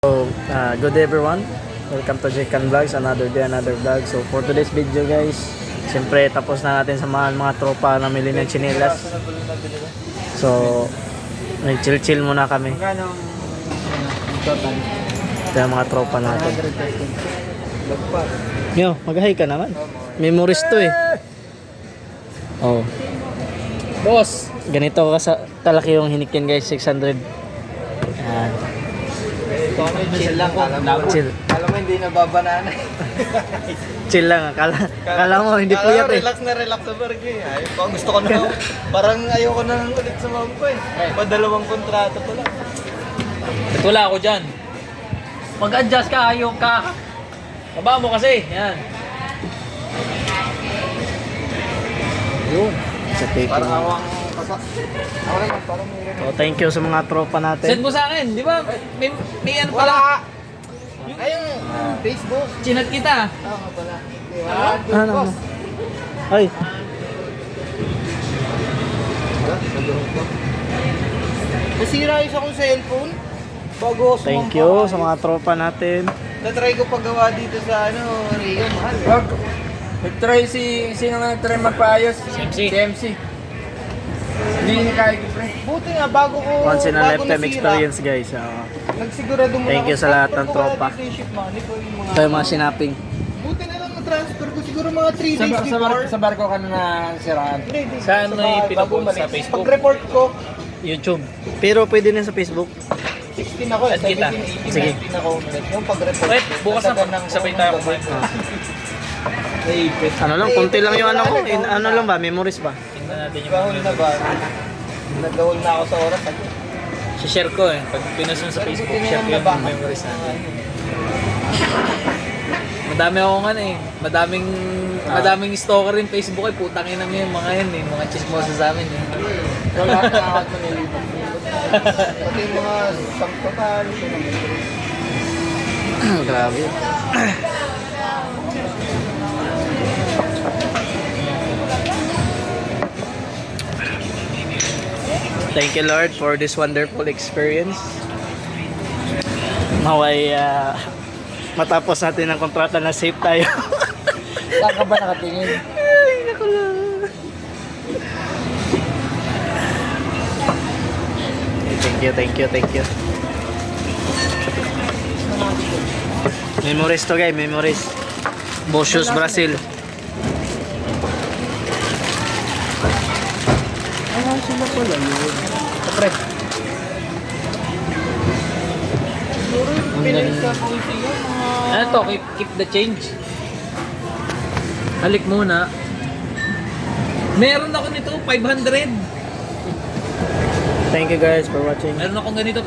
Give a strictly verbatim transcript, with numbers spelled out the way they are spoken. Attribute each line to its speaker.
Speaker 1: So, uh, good day everyone. Welcome to Jekan Vlogs, another day, another vlog. So, for today's video guys, siyempre tapos na natin samahan mga tropa na mili ng chinelas. So, nag-chill-chill muna kami.
Speaker 2: Magkano total?
Speaker 1: Ito yung mga tropa natin. Yo, mag-hi ka naman. Memories to eh. Oh.
Speaker 2: Boss!
Speaker 1: Ganito ka kalaki yung hinikin guys, six hundred. Yan.
Speaker 2: Chill lang.
Speaker 1: Chill.
Speaker 2: Alam mo, hindi nababanana.
Speaker 1: Chill lang. Kala, kala mo, hindi
Speaker 2: Kala
Speaker 1: puyat
Speaker 2: mo,
Speaker 1: eh.
Speaker 2: relax na relax sa barko eh. Ay, parang gusto ko na. Parang ayoko na ulit sa mom ko eh. Padalawang kontrata ko lang.
Speaker 3: Ito wala ako dyan. Mag-adjust ka, ayaw ka. Baba mo kasi. Yan.
Speaker 1: Yun. Sa taking.
Speaker 2: Parang awang kasa. Ako lang, parang may
Speaker 1: So, thank you sa mga tropa natin.
Speaker 3: Send mo sa akin, di ba? May, may ano pala.
Speaker 2: Wala! Ayun, Facebook.
Speaker 3: Chinat kita.
Speaker 2: Oo nga pala.
Speaker 1: Ah, ano, ano? Ay,
Speaker 2: Nasira isa kong cellphone. Bago ako
Speaker 1: thank
Speaker 2: sumampa.
Speaker 1: you sa mga tropa natin.
Speaker 2: Na-try ko paggawa dito sa ano, Rio, mahal.
Speaker 4: Wag. Nag-try si... Sino nga nag-try magpaayos?
Speaker 3: Si M C.
Speaker 4: Si M C. Hindi niya kaya pre.
Speaker 2: Buti nga, bago ko,
Speaker 1: Once in a
Speaker 2: bago
Speaker 1: lifetime
Speaker 2: nasira,
Speaker 1: experience guys. Uh,
Speaker 2: nagsigurado muna
Speaker 1: Thank you
Speaker 2: ako,
Speaker 1: sa lahat ng
Speaker 2: transfer ko
Speaker 1: tropa.
Speaker 2: kaya dito yung ship money ko yung mga...
Speaker 1: ito yung mga sinaping.
Speaker 2: Buti na lang na-transfer ko siguro mga three
Speaker 4: Sa,
Speaker 2: days
Speaker 4: sa,
Speaker 2: before.
Speaker 4: bar, sa barko ka na nasiraan.
Speaker 2: three days
Speaker 3: Saan
Speaker 2: sa
Speaker 3: mo
Speaker 2: bahay,
Speaker 3: ipinapost
Speaker 2: bago umalis.
Speaker 3: sa Facebook?
Speaker 2: Pag-report ko,
Speaker 1: YouTube. Pero pwede din sa Facebook.
Speaker 2: sixteen ako eh,
Speaker 3: Add kita.
Speaker 2: seventeen, eighteen,
Speaker 1: Sige.
Speaker 2: nineteen ako umalis. Yung pag-report
Speaker 3: Wait,
Speaker 2: ko,
Speaker 3: bukas na
Speaker 2: natagan ng
Speaker 3: sabay
Speaker 2: phone
Speaker 3: tayo
Speaker 2: ng
Speaker 3: kumain.
Speaker 2: gabi.
Speaker 4: Naipit.
Speaker 1: Ano lang, konti lang yung ano ko. In, ano lang ba, memories ba?
Speaker 3: Tingnan natin yung
Speaker 2: Gahol na ba? Nagahol na ako sa oras.
Speaker 3: share ko eh. Pag pinost mo sa Facebook, share ko yung memories natin. Madami ako nga eh. Madaming madaming stalker yung Facebook eh. Putang ina mo yung mga yan eh. Mga chismosa sa amin eh.
Speaker 2: Wala na akad mo nilipat. Pati yung mga sangtotal.
Speaker 1: Grabe. Thank you Lord for this wonderful experience. Naway uh, matapos natin ang kontrata na safe tayo.
Speaker 4: Saan ka ba nakatingin?
Speaker 1: Ay, naku lang. Thank you, thank you, thank you. Memories to guys, memories. Bocios, Brazil.
Speaker 2: Ah, sila pala yun. Kapre. Siguro yung pinag-sa ko siya mga...
Speaker 3: Ano to? Keep, keep the change. Halik muna. Meron ako nito, five hundred.
Speaker 1: Thank you guys for watching.
Speaker 3: Meron akong ganito.